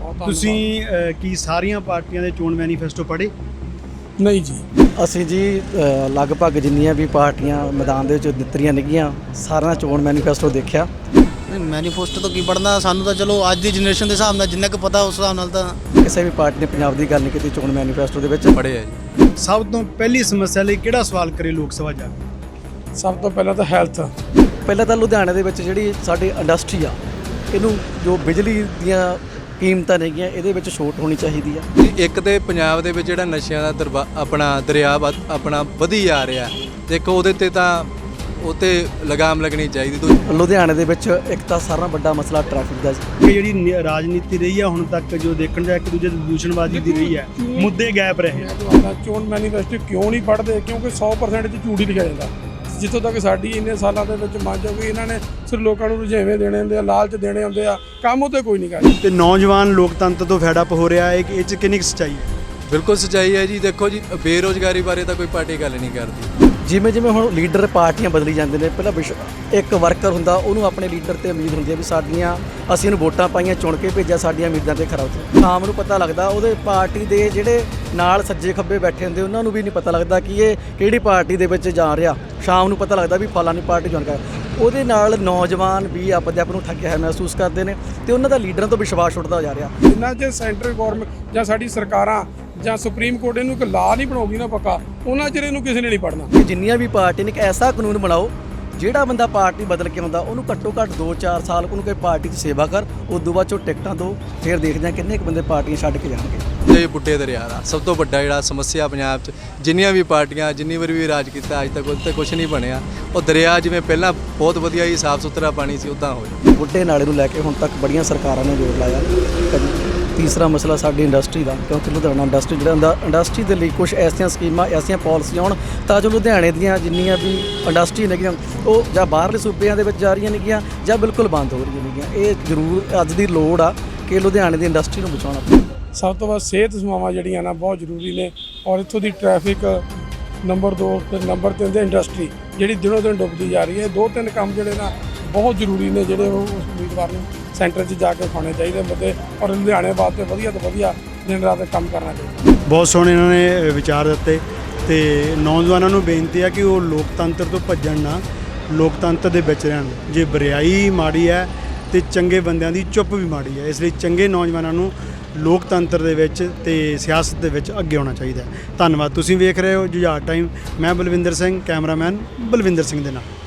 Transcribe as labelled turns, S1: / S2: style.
S1: ਤੁਸੀਂ ਕੀ ਸਾਰੀਆਂ ਪਾਰਟੀਆਂ ਦੇ ਚੋਣ ਮੈਨੀਫੈਸਟੋ ਪੜ੍ਹੇ?
S2: ਨਹੀਂ ਜੀ,
S3: ਅਸੀਂ ਜੀ ਲਗਭਗ ਜਿੰਨੀਆਂ ਵੀ ਪਾਰਟੀਆਂ ਮੈਦਾਨ ਦੇ ਵਿੱਚ ਦਿੱਤਰੀਆਂ ਨਿਕੀਆਂ ਸਾਰਿਆਂ ਦਾ ਚੋਣ ਮੈਨੀਫੈਸਟੋ ਦੇਖਿਆ।
S4: ਨਹੀਂ, ਮੈਨੀਫੈਸਟੋ ਤੋਂ ਕੀ ਪੜ੍ਹਨਾ, ਸਾਨੂੰ ਤਾਂ ਚਲੋ ਅੱਜ ਦੀ ਜਨਰੇਸ਼ਨ ਦੇ ਹਿਸਾਬ ਨਾਲ ਜਿੰਨਾ ਕੁ ਪਤਾ ਉਸ ਹਿਸਾਬ ਨਾਲ ਤਾਂ
S3: ਕਿਸੇ ਵੀ ਪਾਰਟੀ ਨੇ ਪੰਜਾਬ ਦੀ ਗੱਲ ਨਹੀਂ ਕੀਤੀ ਚੋਣ ਮੈਨੀਫੈਸਟੋ ਦੇ ਵਿੱਚ।
S5: ਪੜ੍ਹੇ ਆ ਜੀ।
S1: ਸਭ ਤੋਂ ਪਹਿਲੀ ਸਮੱਸਿਆ ਲਈ ਕਿਹੜਾ ਸਵਾਲ ਕਰੇ ਲੋਕ ਸਭਾ ਜਾ ਕੇ?
S2: ਸਭ ਤੋਂ ਪਹਿਲਾਂ ਤਾਂ ਹੈਲਥ।
S3: ਪਹਿਲਾਂ ਤਾਂ ਲੁਧਿਆਣੇ ਦੇ ਵਿੱਚ ਜਿਹੜੀ ਸਾਡੀ ਇੰਡਸਟਰੀ ਆ, ਇਹਨੂੰ ਜੋ ਬਿਜਲੀ ਦੀਆਂ ਕੀਮਤਾਂ ਨੇਗੀਆਂ ਇਹਦੇ ਵਿੱਚ ਛੋਟ ਹੋਣੀ ਚਾਹੀਦੀ ਆ।
S5: ਇੱਕ ਤੇ ਪੰਜਾਬ ਦੇ ਵਿੱਚ ਜਿਹੜਾ ਨਸ਼ਿਆਂ ਦਾ ਆਪਣਾ ਦਰਿਆ ਆਪਣਾ ਵਧੀ ਜਾ ਰਿਹਾ, ਦੇਖੋ ਉਹਦੇ ਤੇ ਤਾਂ ਉਤੇ ਲਗਾਮ ਲੱਗਣੀ ਚਾਹੀਦੀ।
S3: ਲੁਧਿਆਣੇ ਦੇ ਵਿੱਚ ਇੱਕ ਤਾਂ ਸਾਰਾ ਨਾਲੋਂ ਵੱਡਾ ਮਸਲਾ ਟ੍ਰੈਫਿਕ ਦਾ ਜੀ।
S1: ਇਹ ਜਿਹੜੀ ਰਾਜਨੀਤੀ ਰਹੀ ਆ ਹੁਣ ਤੱਕ ਜੋ ਦੇਖਣ ਜਾ ਇੱਕ ਦੂਜੇ ਦੀ ਦੂਸ਼ਣਬਾਜ਼ੀ ਦੀ ਰਹੀ ਹੈ, ਮੁੱਦੇ ਗੈਪ ਰਹੇ।
S2: ਚੋਣ ਮੈਨੀਫੈਸਟੋ ਕਿਉਂ ਨਹੀਂ ਪੜ੍ਹਦੇ? ਕਿਉਂਕਿ 100% 'ਚ ਝੂਠ ਹੀ ਲਿਖਿਆ ਜਾਂਦਾ। ਜਿੱਥੋਂ ਤੱਕ ਸਾਡੀ ਇੰਨੇ ਸਾਲਾਂ ਦੇ ਵਿੱਚ ਮੰਨ ਜਾਓ ਕਿ ਇਹਨਾਂ ਨੇ ਸਿਰ ਲੋਕਾਂ ਨੂੰ ਰੁਝੇਵੇਂ ਦੇਣੇ ਹੁੰਦੇ ਆ, ਲਾਲਚ ਦੇਣੇ ਹੁੰਦੇ ਆ, ਕੰਮ ਉੱਤੇ ਕੋਈ ਨਹੀਂ ਕਰਦਾ।
S1: ਤੇ ਨੌਜਵਾਨ ਲੋਕਤੰਤਰ ਤੋਂ ਫੈਡ ਅਪ ਹੋ ਰਿਹਾ ਹੈ, ਇਹ 'ਚ ਕਿੰਨੀ ਕੁ ਸੱਚਾਈ ਹੈ?
S5: ਬਿਲਕੁਲ ਸੱਚਾਈ ਹੈ ਜੀ। ਦੇਖੋ ਜੀ, ਬੇਰੁਜ਼ਗਾਰੀ ਬਾਰੇ ਤਾਂ ਕੋਈ ਪਾਰਟੀ ਗੱਲ ਨਹੀਂ ਕਰਦੀ।
S3: ਜਿਵੇਂ ਜਿਵੇਂ ਹੁਣ ਲੀਡਰ ਪਾਰਟੀਆਂ ਬਦਲੀ ਜਾਂਦੇ ਨੇ, ਪਹਿਲਾਂ ਇੱਕ ਵਰਕਰ ਹੁੰਦਾ, ਉਹਨੂੰ ਆਪਣੇ ਲੀਡਰ ਤੇ ਉਮੀਦ ਹੁੰਦੀ ਹੈ ਵੀ ਸਾਡੀਆਂ ਅਸੀਂ ਇਹਨੂੰ ਵੋਟਾਂ ਪਾਈਆਂ, ਚੁਣ ਕੇ ਭੇਜਿਆ, ਸਾਡੀਆਂ ਉਮੀਦਾਂ ਤੇ ਖਰਾ ਉਤਰਿਆ। ਸ਼ਾਮ ਨੂੰ ਪਤਾ ਲੱਗਦਾ ਉਹਦੇ ਪਾਰਟੀ ਦੇ ਜਿਹੜੇ ਨਾਲ ਸੱਜੇ ਖੱਬੇ ਬੈਠੇ ਹੁੰਦੇ ਉਹਨਾਂ ਨੂੰ ਵੀ ਨਹੀਂ ਪਤਾ ਲੱਗਦਾ ਕਿ ਇਹ ਕਿਹੜੀ ਪਾਰਟੀ ਦੇ ਵਿੱਚ ਜਾ ਰਿਹਾ। ਸ਼ਾਮ ਨੂੰ ਪਤਾ ਲੱਗਦਾ ਵੀ ਫਲਾਣੀ ਪਾਰਟੀ ਜੁਆਇਨ ਕਰ। ਉਹਦੇ ਨਾਲ ਨੌਜਵਾਨ ਵੀ ਆਪਣੇ ਆਪ ਨੂੰ ਠੱਗਿਆ ਹੋਇਆ ਮਹਿਸੂਸ ਕਰਦੇ ਨੇ ਤੇ ਉਹਨਾਂ ਦਾ ਲੀਡਰਾਂ ਤੋਂ ਵਿਸ਼ਵਾਸ ਉੱਠਦਾ ਜਾ ਰਿਹਾ।
S2: ਜਿੰਨਾ ਜੇ ਸੈਂਟਰ ਗੌਰਮੈਂਟ ਜਾਂ ਸਾਡੀ ਸਰਕਾਰਾਂ ਜਾਂ ਸੁਪਰੀਮ ਕੋਰਟ ਇਹਨੂੰ ਇੱਕ ਲਾਅ ਨਹੀਂ ਬਣਾਉਗੀ ਨਾ ਪੱਕਾ, ਉਹਨਾਂ ਚਿਰ ਇਹਨੂੰ ਕਿਸੇ ਨੇ ਨਹੀਂ ਪੜ੍ਹਨਾ।
S3: ਕਿ ਜਿੰਨੀਆਂ ਵੀ ਪਾਰਟੀ ਨੇ ਇੱਕ ਐਸਾ ਕਾਨੂੰਨ ਬਣਾਓ ਜਿਹੜਾ ਬੰਦਾ ਪਾਰਟੀ ਬਦਲ ਕੇ ਆਉਂਦਾ ਉਹਨੂੰ ਘੱਟੋ ਘੱਟ 2-4 ਸਾਲ ਉਹਨੂੰ ਕੋਈ ਪਾਰਟੀ 'ਚ ਸੇਵਾ ਕਰ, ਉਸ ਤੋਂ ਬਾਅਦ 'ਚੋਂ ਟਿਕਟਾਂ ਦਿਓ, ਫਿਰ ਦੇਖਦੇ ਹਾਂ ਕਿੰਨੇ ਕੁ ਬੰਦੇ ਪਾਰਟੀਆਂ ਛੱਡ ਕੇ ਜਾਣਗੇ।
S5: ਇਹ ਬੁੱਢੇ ਦਰਿਆ ਦਾ ਸਭ ਤੋਂ ਵੱਡਾ ਜਿਹੜਾ ਸਮੱਸਿਆ ਪੰਜਾਬ 'ਚ, ਜਿੰਨੀਆਂ ਵੀ ਪਾਰਟੀਆਂ ਜਿੰਨੀ ਵਾਰੀ ਵੀ ਰਾਜ ਕੀਤਾ ਅੱਜ ਤੱਕ ਉਹਦੇ ਤੇ ਕੁਝ ਨਹੀਂ ਬਣਿਆ। ਉਹ ਦਰਿਆ ਜਿਵੇਂ ਪਹਿਲਾਂ ਬਹੁਤ ਵਧੀਆ ਹੀ ਸਾਫ਼ ਸੁਥਰਾ ਪਾਣੀ ਸੀ, ਉੱਦਾਂ ਹੋਇਆ।
S3: ਬੁੱਢੇ ਨਾਲੇ ਨੂੰ ਲੈ ਕੇ ਹੁਣ ਤੱਕ ਬੜੀਆਂ ਸਰਕਾਰਾਂ ਨੇ ਜ਼ੋਰ ਲਾਇਆ। ਤੀਸਰਾ ਮਸਲਾ ਸਾਡੀ ਇੰਡਸਟਰੀ ਦਾ, ਕਿਉਂਕਿ ਲੁਧਿਆਣਾ ਇੰਡਸਟਰੀ ਜਿਹੜਾ ਹੁੰਦਾ, ਇੰਡਸਟਰੀ ਦੇ ਲਈ ਕੁਝ ਐਸੀਆਂ ਸਕੀਮਾਂ, ਐਸੀਆਂ ਪਾਲਿਸੀਆਂ ਆਉਣ ਤਾਂ ਜੋ ਲੁਧਿਆਣੇ ਦੀਆਂ ਜਿੰਨੀਆਂ ਵੀ ਇੰਡਸਟਰੀ ਨੇਗੀਆਂ ਉਹ ਜਾਂ ਬਾਹਰਲੇ ਸੂਬਿਆਂ ਦੇ ਵਿੱਚ ਜਾ ਰਹੀਆਂ ਨੇਗੀਆਂ ਜਾਂ ਬਿਲਕੁਲ ਬੰਦ ਹੋ ਰਹੀਆਂ ਨੇਗੀਆਂ। ਇਹ ਜ਼ਰੂਰ ਅੱਜ ਦੀ ਲੋੜ ਆ ਕਿ ਲੁਧਿਆਣੇ ਦੀ ਇੰਡਸਟਰੀ ਨੂੰ ਬਚਾਉਣਾ।
S2: ਸਭ ਤੋਂ ਵੱਧ ਸਿਹਤ ਸੇਵਾਵਾਂ ਜਿਹੜੀਆਂ ਨਾ ਬਹੁਤ ਜ਼ਰੂਰੀ ਨੇ, ਔਰ ਇੱਥੋਂ ਦੀ ਟ੍ਰੈਫਿਕ ਨੰਬਰ 2 ਤੇ ਨੰਬਰ 3 ਤੇ ਇੰਡਸਟਰੀ ਜਿਹੜੀ ਦਿਨੋਂ ਦਿਨ ਡੁੱਬਦੀ ਜਾ ਰਹੀ ਹੈ। 2-3 ਕੰਮ ਜਿਹੜੇ ਨਾ ਬਹੁਤ ਜ਼ਰੂਰੀ ਨੇ, ਜਿਹੜੇ ਉਹ ਉਸ ਉਮੀਦਵਾਰ ਨੂੰ ਸੈਂਟਰ 'ਚ ਜਾ ਕੇ ਖਾਣੇ ਚਾਹੀਦੇ ਮੁੱਦੇ, ਔਰ ਲੁਧਿਆਣੇ ਵਾਸਤੇ ਵਧੀਆ ਤੋਂ ਵਧੀਆ ਦਿਨ ਰਾਤ ਕੰਮ ਕਰਨਾ ਚਾਹੀਦਾ।
S1: ਬਹੁਤ ਸੋਹਣੇ ਇਹਨਾਂ ਨੇ ਵਿਚਾਰ ਦਿੱਤੇ ਤੇ ਨੌਜਵਾਨਾਂ ਨੂੰ ਬੇਨਤੀ ਹੈ ਕਿ ਉਹ ਲੋਕਤੰਤਰ ਤੋਂ ਭੱਜਣ ਨਾ, ਲੋਕਤੰਤਰ ਦੇ ਵਿੱਚ ਰਹਿਣ। ਜੇ ਬਰਿਆਈ ਮਾੜੀ ਹੈ ਤੇ ਚੰਗੇ ਬੰਦਿਆਂ ਦੀ ਚੁੱਪ ਵੀ ਮਾੜੀ ਹੈ, ਇਸ ਲਈ ਚੰਗੇ ਨੌਜਵਾਨਾਂ ਨੂੰ ਲੋਕਤੰਤਰ ਦੇ ਵਿੱਚ ਤੇ ਸਿਆਸਤ ਦੇ ਵਿੱਚ ਅੱਗੇ ਆਉਣਾ ਚਾਹੀਦਾ ਹੈ। ਧੰਨਵਾਦ। ਤੁਸੀਂ ਵੇਖ ਰਹੇ ਹੋ ਜੁਝਾਰ ਟਾਈਮ। ਮੈਂ ਬਲਵਿੰਦਰ ਸਿੰਘ, ਕੈਮਰਾਮੈਨ ਬਲਵਿੰਦਰ ਸਿੰਘ ਦੇ ਨਾਲ।